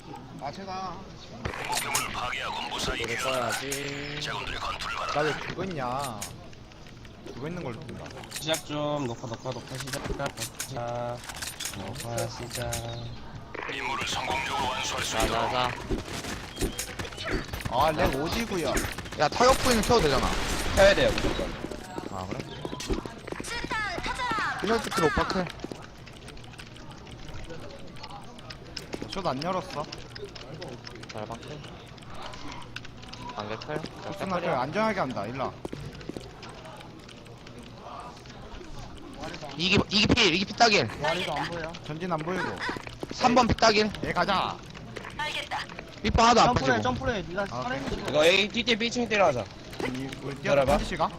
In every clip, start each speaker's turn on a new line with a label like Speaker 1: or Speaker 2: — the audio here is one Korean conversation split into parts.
Speaker 1: 아 제가
Speaker 2: 목표물을 파괴하고 무사히
Speaker 3: 노래 써야지.
Speaker 2: 자군들의 건투를 받아.
Speaker 1: 나 왜 그거 있냐 그거 있는 걸로 뜬다.
Speaker 4: 시작 좀 녹화 시작. 녹화 시작.
Speaker 2: 임무를 성공적으로 완수할 수 있도록
Speaker 3: 자자자.
Speaker 1: 아렉 오지구야. 야 타격 부위는 켜도 되잖아.
Speaker 4: 켜야 돼요 무조건.
Speaker 1: 아 그래? 피널티킬 오빠클. 숏안 열었어.
Speaker 3: 잘 바꿔. 반개 클.
Speaker 1: 숏나 클 안전하게 한다. 일라.
Speaker 5: 이기 필 딱일.
Speaker 1: 와리도 안 보여. 전진 안 보이고.
Speaker 5: 3번 필 딱일.
Speaker 1: 얘 가자.
Speaker 5: 삐빠 하나도 안 빠지고.
Speaker 6: 점프해 니가
Speaker 1: 아,
Speaker 6: 살아있는 거
Speaker 4: 이거 A T B층 때려하자.
Speaker 1: 우리 뛰어서
Speaker 4: 열어봐.
Speaker 1: 펀치가?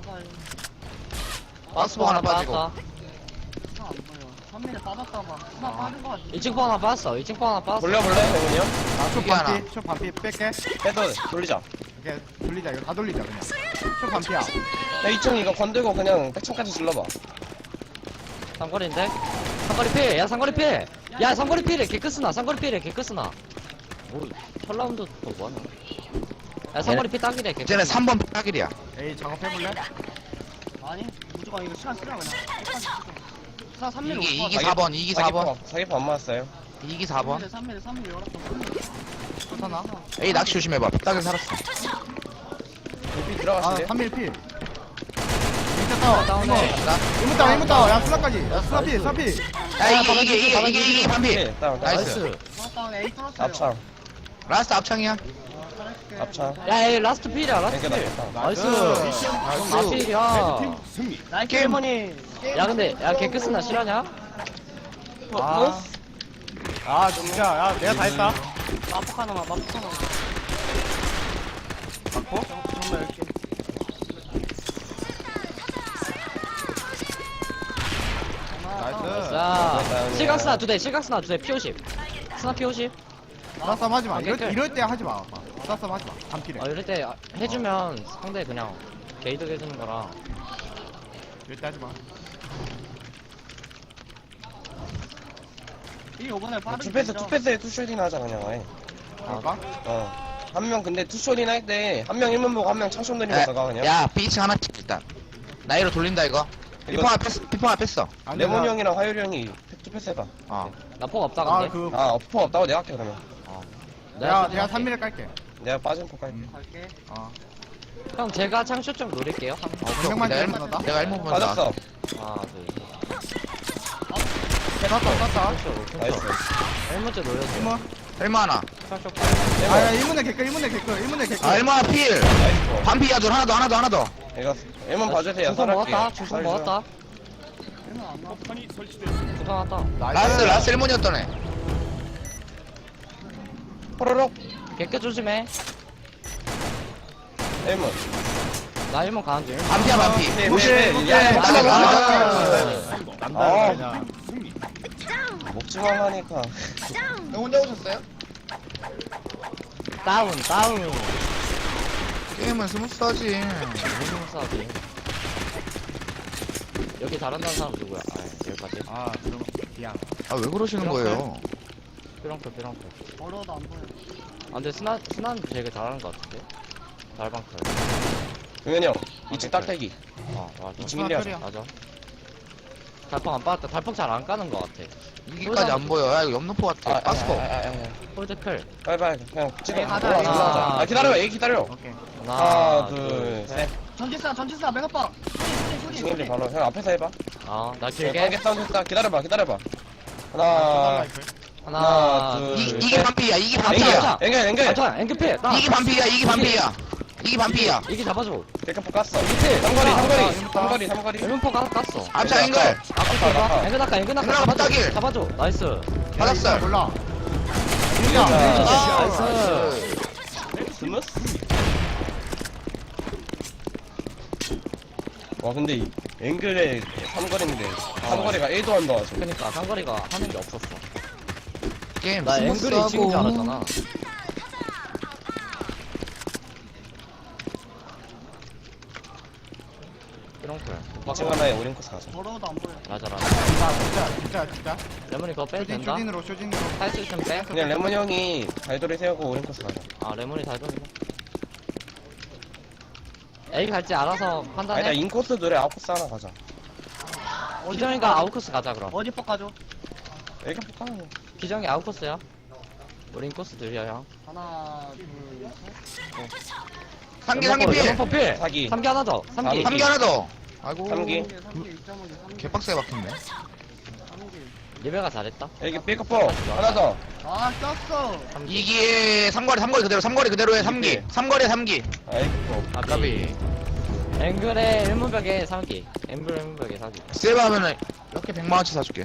Speaker 5: 박스복 하나 빠지고.
Speaker 6: 안 보여 3mm 빠졌다가 하나 빠진 거 같아
Speaker 3: 2층 포 하나 빠졌어. 2층 포 하나 빠졌어.
Speaker 4: 돌려볼래 대문이 형?
Speaker 1: 아숏
Speaker 5: 이게 하나.
Speaker 1: 반피. 숏 반피 뺄게.
Speaker 4: 빼도 돌리자.
Speaker 1: 이렇게 돌리자. 이거 다 돌리자 그냥. 숏 반피야.
Speaker 4: 야 2층 이거 건들고 그냥 백층까지 질러봐.
Speaker 3: 상거리인데? 상거리 필! 야 상거리 필! 야 상거리 필해! 개끄스나! 상거리 필해! 개끄스나! 뭐 털라운드 또 뭐하나? 야 상거리 필 딱이래
Speaker 5: 쟤네
Speaker 3: 개끄스나.
Speaker 5: 3번 필 딱일이야.
Speaker 1: 에이 작업해볼래?
Speaker 6: 아니 무조건 이거 시간 쓰라 그냥 시간 3mm
Speaker 5: 이기 4번. 이기 4번.
Speaker 4: 사기포 안 맞았어요.
Speaker 5: 이기 4번.
Speaker 6: 3mm 열었어
Speaker 1: 괜찮아?
Speaker 5: 에이 낚시 조심해봐. 필 딱일 살았어.
Speaker 4: 비
Speaker 1: 아
Speaker 4: 들어가실래요?
Speaker 1: 3mm 필. 진짜 따워.
Speaker 3: 다운해.
Speaker 1: 이모 따워. 이모 따워. 야 수나까지. 야 수나 필. 수나 필.
Speaker 5: 야 이기 반피.
Speaker 4: 네, 다운.
Speaker 5: 나이스.
Speaker 6: 나왔다 A 뚫었어요
Speaker 4: 앞창.
Speaker 5: 라스트 앞창이야.
Speaker 4: 앞창.
Speaker 3: 야 이 라스트 필이야 라스트
Speaker 4: 땡겨
Speaker 3: 필!
Speaker 4: 나겠다.
Speaker 3: 나이스!
Speaker 1: 나이스.
Speaker 3: 나 필이야!
Speaker 6: 나이스
Speaker 5: 게임.
Speaker 6: 할머니
Speaker 3: 야 근데 야 개끄스나 실화냐?
Speaker 1: 아 진짜. 야 내가 다 했다.
Speaker 6: 마폭 하나만 마폭 하나만
Speaker 1: 맞고?
Speaker 6: 정말 10개
Speaker 1: 나이스.
Speaker 3: 자 실각스나 2대 실각스나 2대 P50 스나 P50
Speaker 1: 싸싸움 하지 마.
Speaker 3: 아, 깨끗.
Speaker 1: 이럴 때 하지 마. 싸싸움 하지 마. 반필해.
Speaker 3: 이럴 때 해주면 상대 그냥 게이드 해주는 거라
Speaker 1: 이럴 때 하지 마.
Speaker 6: 이 요번에 빠르게
Speaker 4: 투패스에 투쇼딩 하자 그냥 아예.
Speaker 1: 할까?
Speaker 4: 한 명 근데 투쇼딩 할 때 한 명 1문 보고 한 명 창쇼 내리면서 가 그냥.
Speaker 5: 야 B층 하나씩 일단. 나이로 돌린다 이거.
Speaker 4: 이거-
Speaker 5: 피펑아 뺐어.
Speaker 1: 아니,
Speaker 4: 레몬이
Speaker 1: 나-
Speaker 4: 형이랑 화요리 형이 투패스 해봐.
Speaker 5: 어.
Speaker 3: 나 폭 없다
Speaker 1: 아,
Speaker 3: 근데
Speaker 1: 그,
Speaker 4: 아 어퍼 없다고 내가 할게 그러면.
Speaker 1: 내가 3mm 깔게.
Speaker 4: 내가 빠진 포 깔게.
Speaker 6: 갈게
Speaker 1: 어.
Speaker 3: 형 제가 창쇼 좀 노릴게요
Speaker 1: 명만
Speaker 5: 내가
Speaker 1: 때리면 나다.
Speaker 5: 내가 1번 본다.
Speaker 4: 빠졌어.
Speaker 3: 하나 둘
Speaker 1: 땄다.
Speaker 4: 나이스.
Speaker 3: 1문째 노렸어
Speaker 1: 1문.
Speaker 5: 얼마 하나.
Speaker 3: 창쇼
Speaker 1: 아, 1문에 개끌, 1문에 개끌, 1문에 개끌.
Speaker 5: 아 얼마 필.
Speaker 4: 나이스.
Speaker 5: 반피야 둘 하나 더.
Speaker 4: 이거 1문 봐주세요.
Speaker 3: 주소
Speaker 4: 살할게.
Speaker 3: 먹었다 주소 먹었다 주소 왔다
Speaker 5: 라스 1문이었던 애.
Speaker 4: 호로록.
Speaker 3: 개끗 조심해
Speaker 4: 1문.
Speaker 3: 나 1문 가는 중
Speaker 5: 반피야 반피.
Speaker 4: 네,
Speaker 1: 오케이,
Speaker 4: 네,
Speaker 1: 오케이.
Speaker 4: 야,
Speaker 1: 나이스.
Speaker 4: 나이스.
Speaker 1: 남다,
Speaker 4: 아.
Speaker 1: 그냥.
Speaker 4: 목지만 하니까.
Speaker 5: 혼자 오셨어요?
Speaker 3: 다운
Speaker 5: 게임은 스무스하지.
Speaker 3: 무슨 싸지 여기 잘한다는 사람 누구야 아 여기까지
Speaker 1: 아, 그럼, 미안.
Speaker 5: 아 왜 그러시는 거예요?
Speaker 3: 삐렁클
Speaker 6: 어려워도 안 보여
Speaker 3: 아 근데 스나는 되게 잘하는 것 같은데 달방클
Speaker 4: 동현이 형 2층 딱대기.
Speaker 3: 맞아
Speaker 4: 2층 1리 하자.
Speaker 3: 맞아 달펑 안 빠졌다 달펑 잘 안 까는 것 같아
Speaker 5: 이기까지 안 보여. 야 이거 옆노포 같아. 빠스코.
Speaker 3: 홀드클
Speaker 4: 빨리빨리 그냥 찍어.
Speaker 6: 에이, 가자,
Speaker 4: 올라가자.
Speaker 3: 에이.
Speaker 4: 올라가자. 아 기다려 얘 기다려.
Speaker 1: 오케이.
Speaker 4: 하나 둘셋.
Speaker 6: 전지사 맥업봐
Speaker 4: 2층 1리 바로 형 앞에서 해봐.
Speaker 3: 아나
Speaker 4: 길게
Speaker 3: 길게
Speaker 4: 사운드 했다. 기다려봐.
Speaker 1: 아,
Speaker 4: 하나
Speaker 3: 하나
Speaker 4: 둘,
Speaker 3: 둘
Speaker 5: 이게
Speaker 4: 셋.
Speaker 5: 반피야. 이게
Speaker 3: 앵겨,
Speaker 5: 반피야.
Speaker 4: 앵겨.
Speaker 3: 아 앵크필
Speaker 5: 이게 반피야. 이게 반피야.
Speaker 3: 이게 잡아줘
Speaker 4: 대카포 깠어.
Speaker 3: 앵크필
Speaker 4: 삼거리.
Speaker 3: 엠문포가 하나 깠어
Speaker 5: 앞차 앵글.
Speaker 4: 아까.
Speaker 3: 앵그 낙하
Speaker 5: 앵글 낙하 딱일.
Speaker 3: 잡아줘 나이스
Speaker 5: 받았어.
Speaker 1: 몰라.
Speaker 3: 나이스
Speaker 4: 스무스. 와 근데 이 앵글의 삼거리인데 삼거리가 1도 안 나와서.
Speaker 3: 그니까 상거리가 하는 게 없었어
Speaker 5: 게임
Speaker 3: 나 앵글이 2층인 줄
Speaker 5: 스무스하고.
Speaker 3: 알았잖아 삐렁클
Speaker 4: 2층 하나에 오링코스 가자.
Speaker 6: 더러워도 안 보여.
Speaker 3: 맞아.
Speaker 1: 진짜
Speaker 3: 레몬이 그거 빼도 된다?
Speaker 1: 쇼진으로
Speaker 3: 할 수 있으면 빼.
Speaker 4: 그냥 레몬 형이 발도리 세우고 오링코스 가자.
Speaker 3: 아, 레몬이 잘 돌린다. A 갈지 알아서
Speaker 4: 아니다,
Speaker 3: 판단해.
Speaker 4: 인코스 노래 아웃코스 하나 가자.
Speaker 3: 기정이가 아웃코스 가자, 그럼.
Speaker 6: 어디 뻑 가죠?
Speaker 4: 애가 볼까?
Speaker 3: 기정이 아웃코스야. 우리 인코스 들려, 형.
Speaker 6: 하나, 둘, 셋.
Speaker 5: 삼기 필.
Speaker 3: 레몬 필.
Speaker 4: 사기.
Speaker 3: 3기 하나 더. 3기.
Speaker 5: 삼기 하나 더. 아이고.
Speaker 4: 삼기.
Speaker 6: 3개, 2.5개, 3개.
Speaker 5: 개빡세게 박혔네.
Speaker 6: 3개.
Speaker 3: 리베가 잘했다.
Speaker 4: 애기 삐커퍼 하나 더.
Speaker 6: 아, 꼈어.
Speaker 5: 2기에 삼거리 그대로, 삼거리 그대로 해, 3기. 삼거리에 3기.
Speaker 4: 아이고.
Speaker 5: 아까비.
Speaker 3: 앵글에 1문벽에 3기. 앵글 1문벽에 4기.
Speaker 5: 세이브 하면은 이렇게 100만원치 사줄게.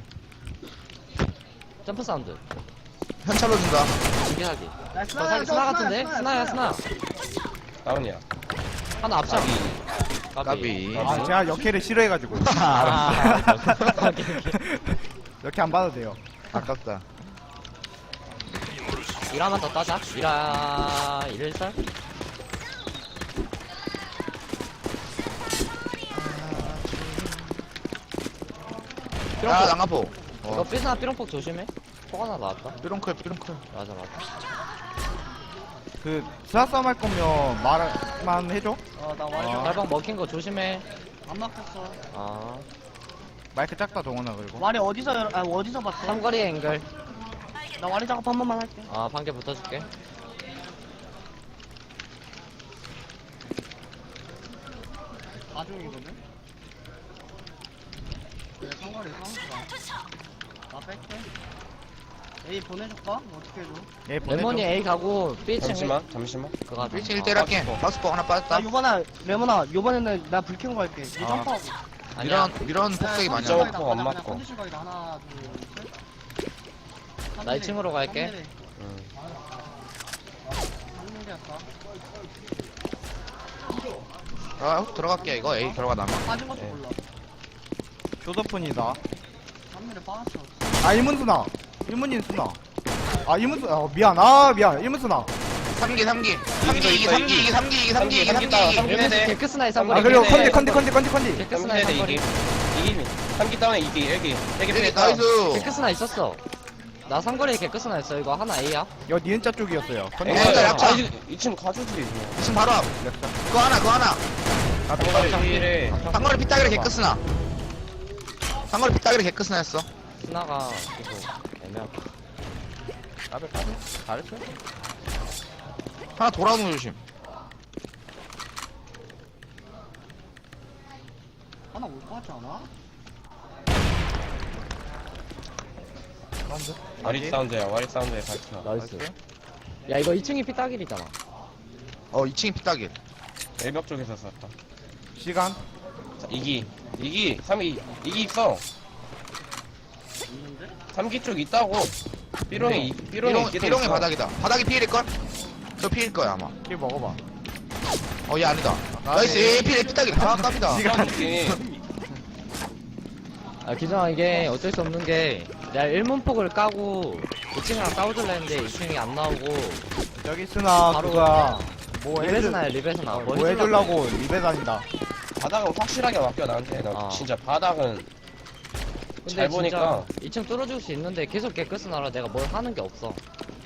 Speaker 3: 점프 사운드.
Speaker 5: 현찰로 준다.
Speaker 3: 2기 4기.
Speaker 6: 야,
Speaker 3: 저 사기 스나 같은데? 스나야, 스나.
Speaker 4: 다운이야.
Speaker 3: 하나 앞차.
Speaker 5: 까비.
Speaker 1: 아 제가 역해를 싫어해가지고
Speaker 3: 아,
Speaker 1: 역해 안 봐도 돼요.
Speaker 5: 아깝다.
Speaker 3: 일화만 더 따자. 일화 1설?
Speaker 5: 야, 낭아포.
Speaker 3: 이거 삐스나 삐롱폭 조심해. 폭 하나 나왔다.
Speaker 5: 삐롱클.
Speaker 3: 맞아.
Speaker 1: 그 수사 싸움 할 거면 말만 해줘.
Speaker 6: 나 와리
Speaker 3: 달방 먹힌 거 조심해.
Speaker 6: 안 막혔어.
Speaker 3: 아.
Speaker 1: 마이크 작다 동원아 그리고.
Speaker 6: 와리 어디서 봤어?
Speaker 3: 삼거리 앵글.
Speaker 6: 나 와리 작업 한 번만 할게.
Speaker 3: 아, 반개 붙어줄게.
Speaker 6: 나중이거든? 그래, 상관이 상수다. 나 뺄게. A 보내줄까? 어떻게 해줘?
Speaker 1: 예 보내줘.
Speaker 3: 레몬이 A 가고 B층
Speaker 4: 잠시만.
Speaker 3: 그거 하자.
Speaker 5: 1층 1대1 할게. 박스포 하나 빠졌다.
Speaker 6: 레몬아, 요번에는 나 불 켜고 갈게. 니 점프하고.
Speaker 3: 아니야.
Speaker 5: 미런 폭색이 많이
Speaker 4: 점-
Speaker 5: 나.
Speaker 4: 점프 안 맞고.
Speaker 6: 컨디션 가이드 하나, 둘, 셋.
Speaker 3: 나 2층으로 갈게.
Speaker 4: 응.
Speaker 6: 3mm였다.
Speaker 5: 아, 들어갈게. 이거 A 들어가 나면.
Speaker 6: 빠진 것도
Speaker 4: 네.
Speaker 6: 몰라.
Speaker 1: 교도폰이다.
Speaker 6: 3mm 빠졌어.
Speaker 1: 아 일문수나. 일문인 수나. 아 일문수. 미안. 아 미안. 일문수나.
Speaker 5: 3기.
Speaker 4: 이거,
Speaker 5: 3기.
Speaker 4: 삼기.
Speaker 3: 개크스나의
Speaker 1: 아
Speaker 3: 삼거리.
Speaker 1: 그리고
Speaker 4: 네.
Speaker 1: 컨디.
Speaker 3: 개크스나의
Speaker 4: 3세대
Speaker 3: 삼거리.
Speaker 4: 이기. 3기 다운에 이기. 애기 피했다.
Speaker 5: 나이스.
Speaker 3: 개크스나 있었어. 나 삼거리에 개크스나 있어. 이거 하나 A야.
Speaker 1: 이거 니은자 쪽이었어요. 컨디.
Speaker 5: 네. 진짜 약차.
Speaker 4: 2층 가주지.
Speaker 5: 지금 바로 앞. 그거 하나.
Speaker 4: 상거리 필에.
Speaker 5: 상거리 피따기를 개끄스나. 상거리 피따기를 개끄스나 했어.
Speaker 3: 스나가 계속 애매하고.
Speaker 1: 잘했어.
Speaker 5: 하나 돌아오는 거 조심.
Speaker 6: 하나 올 것 같지 않아?
Speaker 4: 와리 사운드야. 와리 사운드에 밝혀.
Speaker 3: 나이스. 야, 이거 2층이 피따길이잖아.
Speaker 5: 2층이 피따기.
Speaker 4: 외벽 쪽에서 쐈다.
Speaker 1: 시간.
Speaker 4: 자, 이기. 3기. 이기 있어.
Speaker 6: 있는데?
Speaker 4: 3기 쪽 있다고. 삐롱이 있기도
Speaker 5: 삐롱의
Speaker 4: 있어.
Speaker 5: 바닥이다. 바닥이 피일걸? 저 피일 거야 아마.
Speaker 1: 길 먹어봐.
Speaker 5: 얘 아니다. 나이스. 얘 피따기. 아, 깝이다.
Speaker 4: 시간 있지.
Speaker 3: 아, 기정아, 이게 어쩔 수 없는 게, 내가 1문폭을 까고, 2층이랑 싸워줄라 했는데, 2층이 안 나오고,
Speaker 1: 여기 스나
Speaker 3: 바로
Speaker 1: 그가 뭐
Speaker 3: 리베스나야, 리베스나.
Speaker 1: 뭐 해주려고 리베 다닌다.
Speaker 4: 바닥은 확실하게 맡겨 나한테. 나
Speaker 3: 아.
Speaker 4: 진짜 바닥은
Speaker 3: 근데
Speaker 4: 잘 보니까.
Speaker 3: 진짜 2층 뚫어줄 수 있는데, 계속 개크스나라 내가 뭘 하는 게 없어.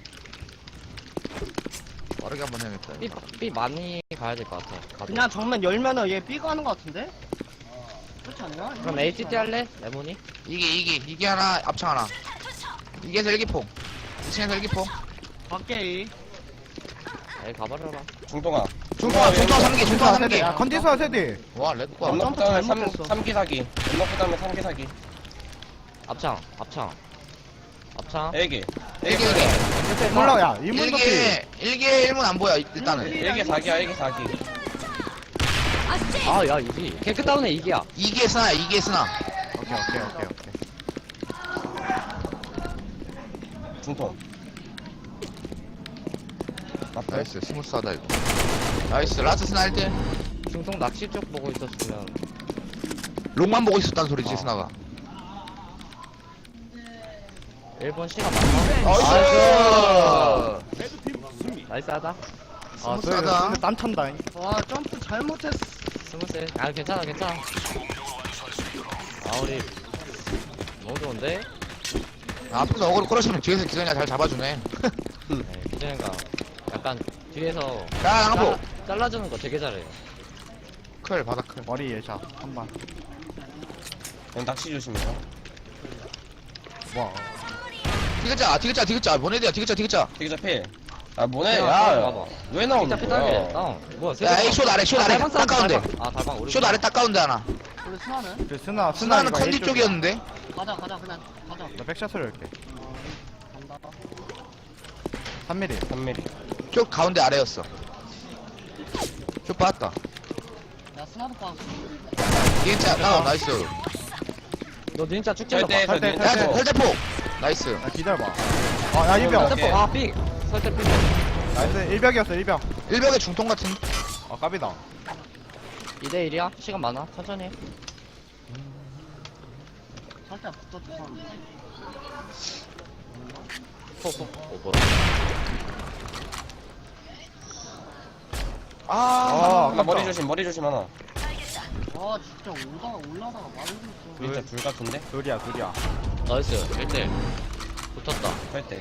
Speaker 5: 빠르게 한번 해야겠다.
Speaker 3: B 많이 가야 될 것 같아. 가도.
Speaker 6: 그냥 정면 열면은 얘 B가 하는 것 같은데? 그렇지 않나?
Speaker 3: 그럼 ATT 할래? 레몬이?
Speaker 5: 이기 하나, 앞창 하나. 이게서 일기포. 2층에서 일기포.
Speaker 6: 밖에 A.
Speaker 3: 에이, 가버려라.
Speaker 4: 중동아.
Speaker 5: 중통 3기.
Speaker 1: 야 컨디스나 세대.
Speaker 5: 와, 렉과.
Speaker 4: 연막
Speaker 6: 점프
Speaker 4: 다음에
Speaker 6: 잘못했어.
Speaker 4: 3기 사기. 연막 다음에 3기 사기.
Speaker 3: 앞창.
Speaker 4: 애기.
Speaker 5: 일기.
Speaker 1: 몰라 야 일문도 길.
Speaker 5: 일기 1문 안 보여, 일단은.
Speaker 4: 애기 사기야. 애기 사기.
Speaker 3: 아, 야, 이기. 개크 다운에 이기야.
Speaker 5: 2기에 스나야, 2기에 스나.
Speaker 1: 오케이.
Speaker 4: 중통.
Speaker 5: 나이스, 스무스하다, 이거. 나이스, 라스 스나 1대.
Speaker 3: 중통 낚시 쪽 보고 있었으면.
Speaker 5: 롱만 보고 있었다는 소리지,
Speaker 3: 어.
Speaker 5: 스나가.
Speaker 3: 1번 시간 많아.
Speaker 5: 나이스!
Speaker 3: 나이스 하다.
Speaker 5: 스무스하다.
Speaker 1: 땀 찬다.
Speaker 6: 와, 점프 잘못했어.
Speaker 3: 스무스. 아, 괜찮아.
Speaker 2: 성공적으로 완수할
Speaker 3: 아, 우리 너무 좋은데?
Speaker 5: 앞에서 어그로 끌어주면 뒤에서 기선이가 잘 잡아주네.
Speaker 3: 네, 기준이가 약간 뒤에서
Speaker 5: 야, 나가보.
Speaker 3: 잘라주는 거 되게 잘해요.
Speaker 5: 클, 바닥 클.
Speaker 1: 머리 예샷 한번.
Speaker 4: 형 낚시 조심해요.
Speaker 1: 와.
Speaker 5: 디귿자. 보내드야, 디귿자.
Speaker 4: 되게 잡힐. 아 뭐네?
Speaker 3: 야,
Speaker 4: 야,
Speaker 3: 봐봐.
Speaker 4: 왜 나오는
Speaker 3: 피타 피타게.
Speaker 4: 거야?
Speaker 3: 다운. 뭐야?
Speaker 5: 야, 에이, 숏 아래,
Speaker 3: 달방
Speaker 5: 딱 가운데.
Speaker 3: 아, 달방 우리.
Speaker 5: 숏 아래 딱 가운데 하나.
Speaker 6: 우리 스나는?
Speaker 1: 그 스나
Speaker 5: 스나는
Speaker 1: 이거
Speaker 5: 컨디
Speaker 1: A 쪽이야.
Speaker 5: 쪽이었는데.
Speaker 6: 가자 그냥 가자.
Speaker 1: 나 백샷을 이렇게.
Speaker 6: 간다.
Speaker 1: 3mm.
Speaker 4: 3mm.
Speaker 5: 쪽 가운데 아래였어. 숏 빠졌다.
Speaker 6: 야 스나도 빠.
Speaker 5: 디귿자, 다운, 나이스.
Speaker 3: 너 진짜 쭉
Speaker 4: 절대
Speaker 3: 찔러봐.
Speaker 1: 때,
Speaker 5: 야,
Speaker 1: 때.
Speaker 5: 설대폭. 나이스.
Speaker 1: 야 기다려봐. 야 1벽.
Speaker 4: 오케이.
Speaker 3: 아, 삑. 설대 삑.
Speaker 1: 나이스 1벽이었어 1벽.
Speaker 5: 일벽의 중통 같은.
Speaker 1: 까비다.
Speaker 3: 2대1이야? 시간 많아? 천천히 해.
Speaker 6: 살짝 붙었어.
Speaker 3: 오, 뭐라.
Speaker 5: 아,
Speaker 4: 나 머리 조심 하나.
Speaker 6: 아 진짜 올라다가 말을 했어.
Speaker 4: 진짜 불 같은데?
Speaker 1: 둘이야.
Speaker 3: 나이스. 1대1. 붙었다.
Speaker 4: 할 때.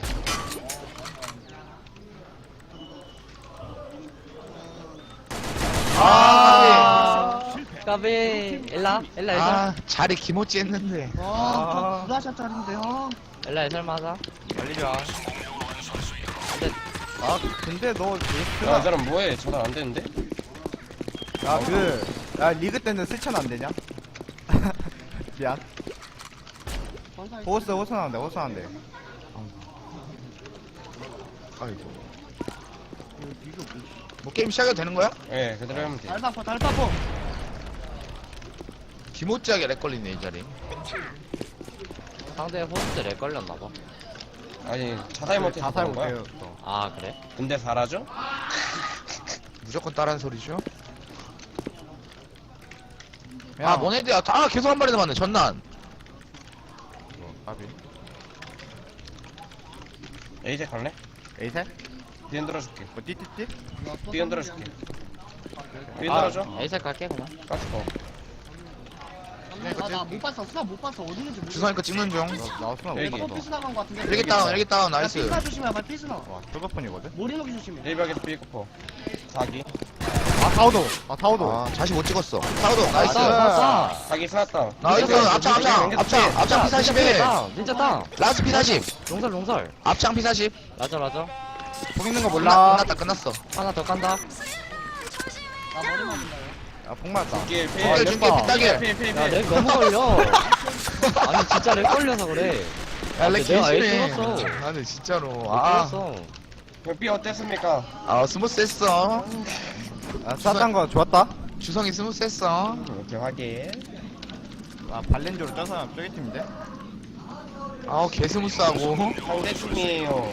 Speaker 3: 까비. 엘라.
Speaker 5: 아, 자리 기모찌 했는데.
Speaker 6: 와, 저 부다샷짜린데 형.
Speaker 3: 엘라 설마 하자.
Speaker 1: 달리자.
Speaker 3: 근데,
Speaker 1: 근데 너
Speaker 4: 야, 이
Speaker 1: 스나.
Speaker 4: 사람 뭐해? 전화 안 되는데?
Speaker 1: 야 리그 때는 스천 안 되냐? 미안. 호스 나온대.
Speaker 5: 아이고. 뭐 게임 시작해도 되는 거야?
Speaker 4: 예, 그대로 하면 돼.
Speaker 6: 달바포.
Speaker 5: 기모찌하게 렉 걸리네, 이 자리.
Speaker 3: 상대 호스트 렉 걸렸나봐.
Speaker 4: 아니, 자살 못해서
Speaker 1: 자살
Speaker 4: 그런 거야?
Speaker 1: 못해요.
Speaker 3: 아, 그래?
Speaker 4: 근데 잘하죠?
Speaker 5: 무조건 따라하는 소리죠?
Speaker 1: 야,
Speaker 5: 아, 모네드야. 아, 계속 한 마리 남았네, 전난.
Speaker 1: 까비.
Speaker 4: 에이제 갈래?
Speaker 1: 에이셋?
Speaker 4: 뒤 흔들어줄게.
Speaker 1: 뭐 띠띠띠?
Speaker 4: 뒤 흔들어줄게. 뒤
Speaker 3: 아,
Speaker 4: 흔들어줘.
Speaker 3: 에이색 갈게, 그냥.
Speaker 4: 까스퍼.
Speaker 6: 나못 봤어. 스나 못 봤어. 어디 있는지 모르겠어.
Speaker 5: 주성이 거 찍는 중.
Speaker 1: 나왔으나
Speaker 4: 여기.
Speaker 1: 못
Speaker 6: 또
Speaker 1: 봤어.
Speaker 6: 피스 나간 거 같은데.
Speaker 5: 일기 다운, 나이스.
Speaker 6: 피스나 조심해. 발 피스나.
Speaker 1: 와 초가폰이거든?
Speaker 6: 머리 녹이 조심해.
Speaker 4: 1벽에서 삐거퍼. 4기.
Speaker 1: 아 타오도.
Speaker 5: 아, 자시 못 찍었어. 사우도, 나이스.
Speaker 3: 싸.
Speaker 4: 4기 스났다.
Speaker 5: 나이스. 앞창 P40에.
Speaker 3: 다운. 진짜 다운.
Speaker 5: 라스 P40.
Speaker 3: 롱설.
Speaker 5: 앞창 P40.
Speaker 3: 맞아.
Speaker 1: 폭 있는 거 몰라.
Speaker 5: 끝났어.
Speaker 3: 하나 더 깐다.
Speaker 6: 나 머리 맞는다.
Speaker 1: 야폭 맞다.
Speaker 4: 길, 필.
Speaker 5: 중계, 중계, 삐딱일.
Speaker 4: 필.
Speaker 3: 야, 렉 너무 걸려. 아니, 진짜 렉 걸려서 그래.
Speaker 5: 야, 렉
Speaker 3: 내가 아예
Speaker 5: 개심해.
Speaker 3: 찍었어.
Speaker 5: 나는 진짜로.
Speaker 3: 렉
Speaker 5: 아,
Speaker 3: 걸렸어.
Speaker 4: 삐 어땠습니까?
Speaker 5: 스무스했어.
Speaker 1: 쌌단 거 좋았다.
Speaker 5: 주성이 스무스했어.
Speaker 4: 이렇게 확인.
Speaker 1: 발렌조로 짠 사람 저기 팀인데?
Speaker 5: 아우, 개 스무스하고.
Speaker 4: 상대팀이에요.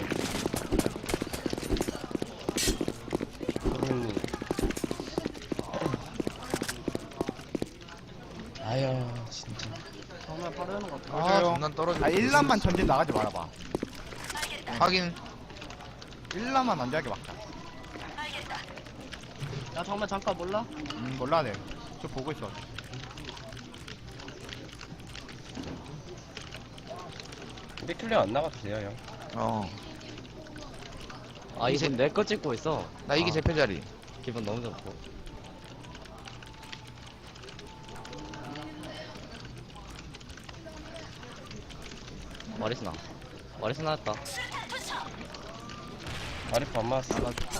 Speaker 4: 아유, 진짜.
Speaker 6: 정말 바로 하는 거 같아.
Speaker 5: 아, 장난 떨어져.
Speaker 1: 1람만 전진 나가지 말아봐.
Speaker 5: 확인.
Speaker 1: 1람만 안되하게 막자.
Speaker 6: 야 정말 잠깐 몰라?
Speaker 1: 몰라 내. 저 보고 있어.
Speaker 4: 우리 클리어 안 나가도 돼요, 형.
Speaker 5: 어.
Speaker 3: 아, 이제 내 거 찍고 있어.
Speaker 5: 나 이게
Speaker 3: 아,
Speaker 5: 제 패자리.
Speaker 3: 기분 너무 좋고. 머리스나 했다.
Speaker 4: 아리프 안 맞았어.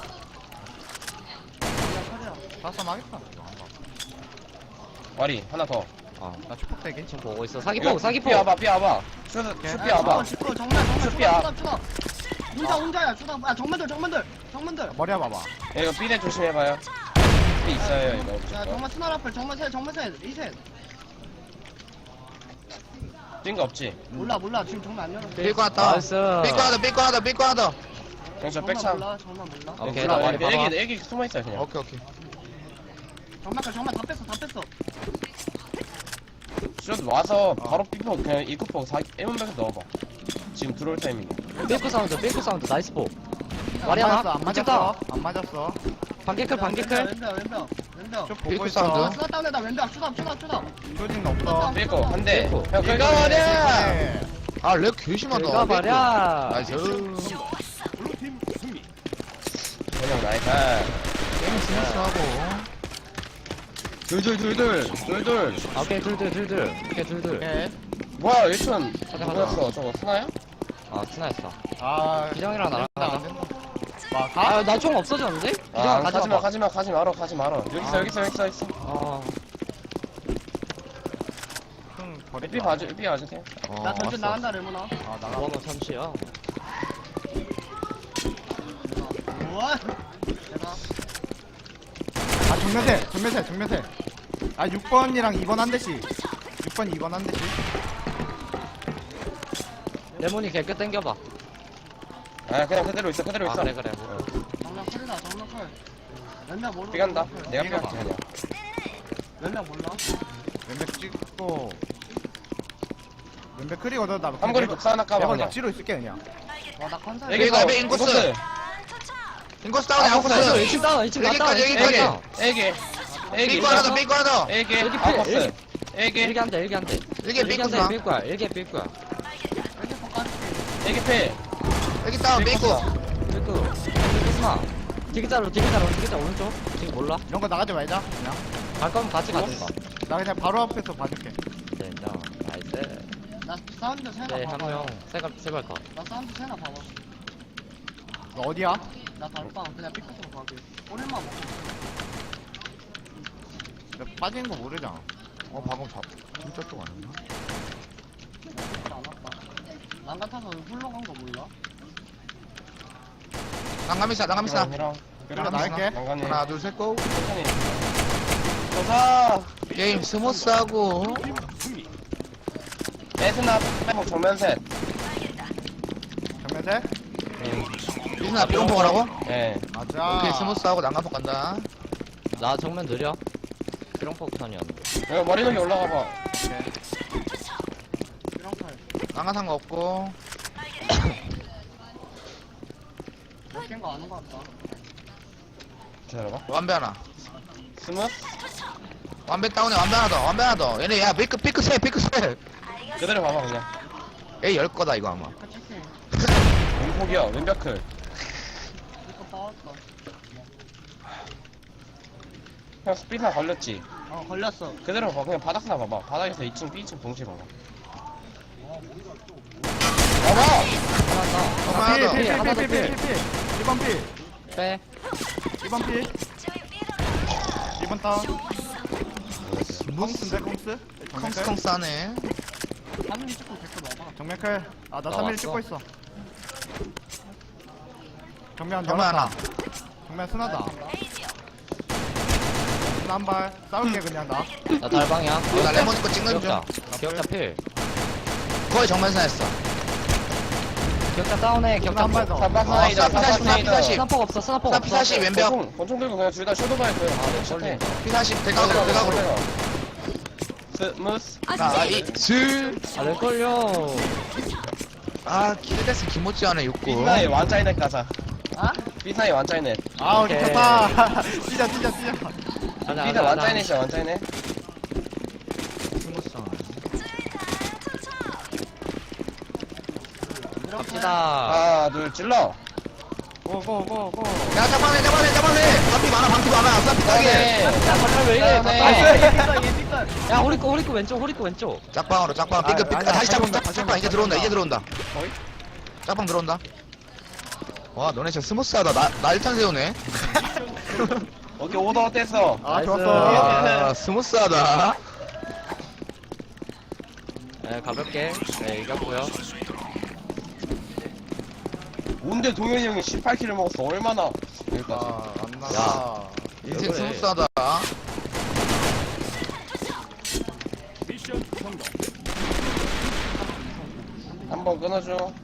Speaker 1: 사싸움 하겠다.
Speaker 4: 와리, 하나 더.
Speaker 1: 나 축복되게.
Speaker 3: 지금 보고 있어.
Speaker 4: 이거
Speaker 3: 사기포.
Speaker 4: 삐 와봐. 슈피 와봐.
Speaker 6: 정말
Speaker 4: 슈피야.
Speaker 6: 추가. 혼자야 추가. 야 정면들.
Speaker 1: 머리 와봐봐.
Speaker 4: 이거 삐대 조심해봐요. 삐 있어요, 이거.
Speaker 6: 야
Speaker 4: 무조건.
Speaker 6: 정말 스나 라플 정말 셋 이셋.
Speaker 4: 뛴거 없지?
Speaker 6: 몰라 지금 정말 안 열어.
Speaker 5: 삐거 하나
Speaker 3: 나이스.
Speaker 5: 삐거 하나.
Speaker 4: 저 백참.
Speaker 6: 정말 몰라.
Speaker 3: 오케이, 나 머리 봐봐.
Speaker 4: 애기 숨어있어요, 그냥.
Speaker 5: 오케이.
Speaker 6: 정말 다 뺐어.
Speaker 4: 슛 와서 바로 삐포, 그냥 입구포 1문백에서 넣어봐. 지금 들어올 타이밍.
Speaker 3: 삐꾸 사운드. 나이스 포. 머리
Speaker 1: 안
Speaker 3: 하나.
Speaker 1: 맞았어. 안
Speaker 3: 찍다.
Speaker 1: 맞았어. 안 맞았어.
Speaker 3: 반개클 반개클.
Speaker 6: 왼벽.
Speaker 1: 쭉 보고
Speaker 5: 삐꾸
Speaker 1: 있어.
Speaker 5: 사운드.
Speaker 6: 수다 다운에다 왼벽 추담.
Speaker 1: 쇼진 없어.
Speaker 4: 삐고 한대
Speaker 3: 삐고.
Speaker 4: 형 긁어버려
Speaker 1: 네.
Speaker 5: 아, 렉 개심하다.
Speaker 3: 긁어 버려.
Speaker 5: 나이스.
Speaker 4: 그냥 나이스
Speaker 5: 게임 스무스하고.
Speaker 4: 둘
Speaker 3: 오케이 둘둘. 오케이 둘둘.
Speaker 1: 오케이.
Speaker 4: 뭐야 1촌
Speaker 3: 가자, 가자.
Speaker 4: 누구였어 저거 스나야?
Speaker 3: 아 스나였어.
Speaker 1: 아,
Speaker 3: 기정이랑 나랑
Speaker 1: 안
Speaker 3: 가자.
Speaker 1: 된다. 와, 가?
Speaker 3: 아나 총 없어졌는데? 기정아 가져와.
Speaker 4: 가지 마라 여기 있어
Speaker 3: 어.
Speaker 1: 형,
Speaker 4: 삐 봐주세요
Speaker 6: 나 전진 나간다 레모나.
Speaker 1: 아, 나가.
Speaker 3: 뭐하면 참치야.
Speaker 6: 우와. 내가
Speaker 1: 아, 정면세. 아, 6번이랑 2번 한 대씩. 6번, 2번 한 대씩.
Speaker 3: 레몬이 개끝 땡겨봐.
Speaker 4: 아 그냥 그대로 있어
Speaker 3: 아 그래.
Speaker 6: 장난 컬이다 장난 컬. 왼벽 모르고.
Speaker 4: 삐간다 내가
Speaker 1: 삐가
Speaker 4: 삐갈게 그냥
Speaker 6: 왼벽 몰라.
Speaker 1: 왼백 찍고. 왼백 크리거든. 나
Speaker 4: 한거리 독사 하나 까봐
Speaker 1: 내가
Speaker 4: 그냥
Speaker 1: 낚시로 있을게, 그냥.
Speaker 6: 와나 컨사.
Speaker 4: 여기
Speaker 5: 가,
Speaker 4: 가
Speaker 5: 배 인코스. 인코스 다운에
Speaker 4: 아,
Speaker 5: 아웃코스.
Speaker 4: 인코스.
Speaker 3: 1층 다운 1층 갔다
Speaker 5: 여기까지.
Speaker 4: 애기
Speaker 5: 삐꾸 하나 더, 삐꾸 하나 더.
Speaker 4: 애기
Speaker 3: 여기 필,
Speaker 4: 아웃코스 애기
Speaker 3: 일기 한대
Speaker 5: 일개
Speaker 3: 일기
Speaker 5: 삐꾸스나.
Speaker 3: 한대 삘 거야 일기 삘 거야.
Speaker 6: 이렇게 poka지.
Speaker 4: 애기 패
Speaker 5: 여기 다운, 삐꾸.
Speaker 3: 삐꾸 삐꾸스나. 디귿자 오른쪽. 지금 몰라.
Speaker 1: 이런 거 나가지 말자, 그냥.
Speaker 3: 갈 거면 같이 가든가.
Speaker 1: 나 그냥 바로 앞에서 봐줄게.
Speaker 3: 네 인정. 나이스.
Speaker 6: 나 사운드 세나
Speaker 3: 네
Speaker 6: 봐봐.
Speaker 3: 한명 세발 컷.
Speaker 6: 나 사운드 세나 봐봐.
Speaker 1: 너 어디야?
Speaker 6: 나 달빵 그냥 삐끗으로 가게. 오랜만 먹어.
Speaker 1: 나 빠지는 거 모르잖아.
Speaker 5: 방금 진짜 쪽 아니야?
Speaker 6: 안 왔다. 난 같아서 훌러 간 거 몰라?
Speaker 5: 난감이사.
Speaker 4: 이랑
Speaker 1: 그럼 나 할게.
Speaker 4: 난간이
Speaker 5: 하나, 둘, 셋, 고.
Speaker 4: 천천히 도사
Speaker 5: 게임 스무스하고.
Speaker 4: 에스나 빼고 정면 셋
Speaker 1: 정면세?
Speaker 5: 이스나 삐롱포 가라고?
Speaker 4: 예.
Speaker 1: 맞아.
Speaker 5: 오케이, 스무스하고 난감포 간다.
Speaker 3: 나 정면 느려. 피롱폭탄이었는데.
Speaker 4: 여기 머리 여기 올라가 봐.
Speaker 6: 이런 칼.
Speaker 5: 난감한 거 없고.
Speaker 6: 몇개인 거 아는 거 같다.
Speaker 4: 기다려봐.
Speaker 5: 완배 하나.
Speaker 4: 스무스
Speaker 5: 완배 다운에 완배 하나 더. 얘네, 야, 삐크 세.
Speaker 4: 그대로 봐봐 그냥.
Speaker 5: 에이, 열 거다, 이거 아마.
Speaker 6: 그 치킨.
Speaker 4: 왼폭이야 왼벽클.
Speaker 6: 이거 빠졌다.
Speaker 4: 형 스피드나 걸렸지.
Speaker 6: 걸렸어.
Speaker 4: 그대로 봐 그냥 바닥나 봐봐. 바닥에서 2층 B층 동시에 봐봐. 봐봐.
Speaker 3: 하나 더.
Speaker 5: 하나 더.
Speaker 3: 하나 더 필.
Speaker 1: 1번 필.
Speaker 3: 빼.
Speaker 1: 1번 필. 2번 다운. 콩스인데, 콩스?
Speaker 5: 컹스컹스 하네.
Speaker 6: 하늘이 조금 댓글 와봐.
Speaker 1: 정면클. 아, 나
Speaker 3: 나
Speaker 1: 3일
Speaker 3: 왔어.
Speaker 1: 찍고 있어. 정면
Speaker 5: 정면
Speaker 1: 열었다.
Speaker 5: 하나.
Speaker 1: 정면 순하다. 스나 한 발. 싸울게, 그냥 나.
Speaker 3: 나 달방이야.
Speaker 5: 나 레몬 거 찍는 중.
Speaker 3: 기억자 필.
Speaker 5: 거의 정면사였어.
Speaker 3: 기억자 다운해.
Speaker 1: 스나
Speaker 3: 기억자
Speaker 1: 한 발 더.
Speaker 4: 삼박스나이다.
Speaker 5: P40.
Speaker 3: 스나폭 없어. 스나폭 없어.
Speaker 5: P40 왼벽.
Speaker 4: 권총 들고 그냥 둘 다 쇼도바에 그. 아,
Speaker 3: 걸린다.
Speaker 5: P40 대각으로.
Speaker 4: 스무스.
Speaker 5: 자, 슬.
Speaker 3: 아, 왜 걸려?
Speaker 5: 아, 기대됐어. 김모찌 하네, 6구.
Speaker 4: 삐나의 완짜이넷 가자.
Speaker 6: 아?
Speaker 4: 삐나의 완짜이넷.
Speaker 1: 아,
Speaker 3: 오케이.
Speaker 1: 미쳤다. 뛰자.
Speaker 4: 삐나 완짜이넷이야 완짜이넷.
Speaker 3: 갑시다.
Speaker 4: 하나 둘 찔러.
Speaker 1: 고.
Speaker 5: 야, 잡아내. 반피 많아. 쌈피 따게.
Speaker 4: 네.
Speaker 3: 야, 잠깐 왜 이래?
Speaker 4: 네.
Speaker 3: 나이스.
Speaker 6: 얘
Speaker 3: 야, 호리코 왼쪽.
Speaker 5: 짝방으로.
Speaker 1: 아,
Speaker 5: 삐끗.
Speaker 1: 아니야,
Speaker 5: 다시
Speaker 1: 다시
Speaker 5: 짝방. 이제 들어온다.
Speaker 4: 어이?
Speaker 5: 짝방 들어온다. 와, 너네 진짜 스무스하다. 나 1탄 세우네.
Speaker 4: 오케이 오더 어땠어?
Speaker 1: 아,
Speaker 3: 나이스.
Speaker 1: 좋았어.
Speaker 5: 아, 스무스하다.
Speaker 3: 네, 가볍게. 네, 이겼고요.
Speaker 4: 뭔데 동현이 형이 18킬을 먹었어 얼마나 여기까지.
Speaker 1: 아, 안 나가.
Speaker 3: 야.
Speaker 5: 인생
Speaker 3: 그래.
Speaker 5: 스무스하다.
Speaker 4: 한번 끊어줘.